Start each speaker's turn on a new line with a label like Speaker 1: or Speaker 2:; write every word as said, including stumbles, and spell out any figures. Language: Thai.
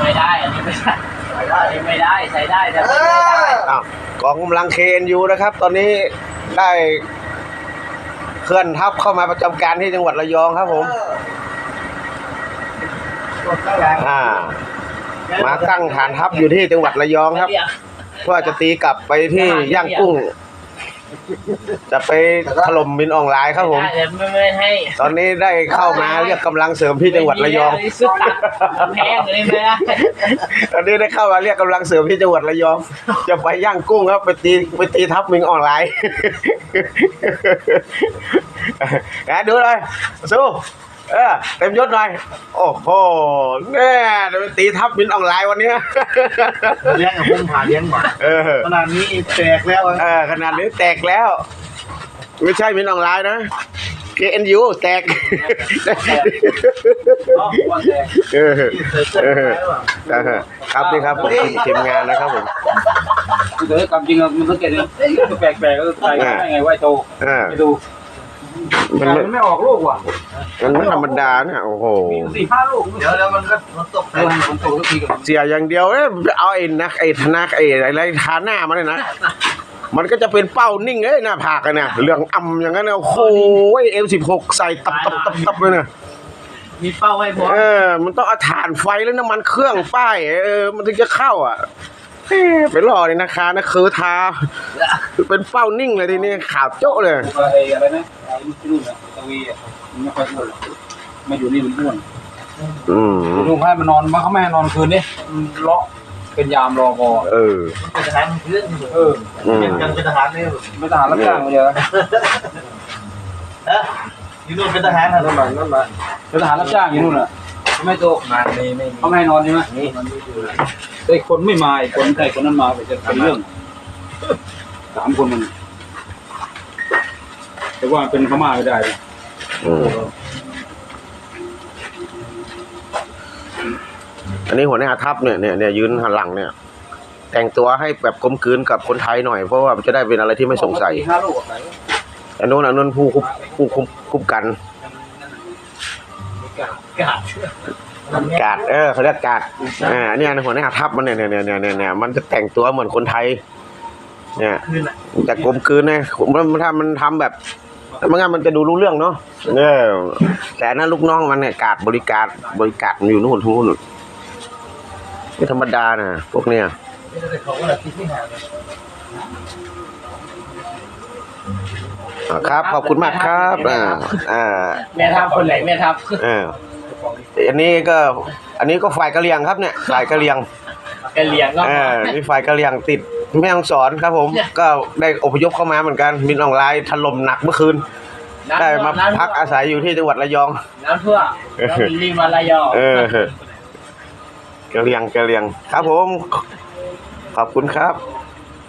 Speaker 1: ไม่ได้อันนี้ไม่ได้อันนี้ไม่ได้ใช้ได้แต่ไม่ได้
Speaker 2: อ้าวกองกำลัง เค เอ็น ยู นะครับตอนนี้ได้เคลื่อนทัพเข้ามาประจำการที่จังหวัดระยองครับผมอ่ามาตั้งฐานทัพอยู่ที่จังหวัดระยองครับเพื่อจะตีกลับไปที่ย่างกุ้งจะไปถล่มมินออนไลน์ครับผมตอนนี้ได้เข้ามาเรียกกำลังเสริมที่จังหวัดระยอง
Speaker 1: แพงเลยไหม
Speaker 2: ตอนนี้ได้เข้ามาเรียกกำลังเสริมที่จังหวัดระยองจะไปย่างกุ้งครับไปตีไปตีทัพมินออนไลน์นะดูเลยสู้เออเต็มยศหน่อยโอ้โหแน่จะไปตีทัพมินออนไลน์วันนี้
Speaker 3: เลี้ยงกับพุ่มผ่าเลี้ยงหมาขนาดนี้แตกแล้ว
Speaker 2: เออขนาดนี้แตกแล้วไม่ใช่มินออนไลน์นะ เค เอ็น ยู แตกครับนี่ครับผมทีมงานนะครับผม
Speaker 3: คือแต่ความจริงมันสังเกตเลยแปลกๆก็ใส่ได้ไงไหวโตไปดูมันไม่ออกลูกว่ะ
Speaker 2: มันไม่ธรรมดาเนี่ยโอ้โห
Speaker 3: สี่ห้าลูกเดี๋ยวแล้วมันก็มันตกมันตกทุกทีกับ
Speaker 2: เสียอย่างเดียวเนี่ยเอาไอ้นักไอ้ธนาไอ้อะไรทาหน้ามันเลยนะมันก็จะเป็นเป้านิ่งเลยหน้าผากกันเนี่ยเรื่องอ่ำอย่างนั้นเนี่ยโอ้โหเอลสิบหกใส่ตับตับตับตับเลยเนี่ย
Speaker 1: มีเป้าไว้พอ
Speaker 2: เออมันต้องเอาถ่านไฟแล้วน้ำมันเครื่องป้ายเออมันถึงจะเข้าอ่ะไปรอเลยนะคะนะคือทาเป็นเป้านิ่งเลยทีนี้ขาวโจ๊ะเลย
Speaker 3: อะไรนะไอ้ที่นู่นอะตะวีอะมันไม่ค่อยอ้วนมาอยู่นี่มันอ้วน
Speaker 2: อืม
Speaker 3: ลุงให้มันนอนมาเขาไม่ให้นอนคืนนี่เลาะเป็นยามรอพอ
Speaker 2: เออ
Speaker 1: เป็นทหารเพื่อน
Speaker 3: เออ
Speaker 1: ยังเป็นทหารนี่
Speaker 3: เป็นทหารรับจ้างมาเยอะ
Speaker 1: เอออยู่นู่นเป็นทหารนะ
Speaker 3: นั่นมานั่นมาเป็นทหารรับจ้างอยู่นู่นอ่ะไม่โต
Speaker 1: งานไม่ไม่
Speaker 3: เขาไม่ให้นอนใช่ไหมนี่ไอ้คนไม่มาไอ้คนใครคนนั้นมาไปจะเป็นเรื่องสามคนมันแต่ว่าเป็นพม่าไม่ได้
Speaker 2: อันนี้หัวหน้าทัพเนี่ยเนี่ยเนี่ยยืนหันหลังเนี่ยแต่งตัวให้แบบกลมกลืนกับคนไทยหน่อยเพราะว่ามันจะได้เป็นอะไรที่ไม่สงสัยอันนู้นอันนู้นผู้คุมผู้คุมคุมกันกาดเออเขาเรียกกาดอ่าเนี่ยหัวหน้าทัพมันเนี่ยเนี่ยเนี่ยเนี่ยเนี่ยมันจะแต่งตัวเหมือนคนไทยเนี่ยแต่กลมกลืนเนี่ยมันทำมันทำแบบไม่งั้นมันจะดูรู้เรื่องเนาะเนี่ยแต่นั่นลูกน้องมันเนี่ยกาดบริการบริการมันอยู่นู่นทุกนู่นไม่ธรรมดานะพวกเนี้ยครับขอบคุณมากครับอ่าอ่า
Speaker 1: แม่ทัพคนไหนแม่ทัพ
Speaker 2: อ่าอันนี้ก็อันนี้ก็ฝ่ายกะเหรี่ยงครับเนี่ยฝ่ายกะเหรี่ยง
Speaker 1: กะเหรี่ยงก็
Speaker 2: อ่ามีฝ่ายกะเหรี่ยงติดแม่ฮ่องสอนครับผมก็ได้อพยพเข้ามาเหมือนกันมินออนไลน์ถล่มหนักเมื่อคืนได้มาพักอาศัยอยู่ที่จังหวัดระยอง
Speaker 1: น้ำท่วมรีมาระยอง
Speaker 2: เออกะเหรี่ยงกะเหรี่ยงครับผมขอบคุณครับ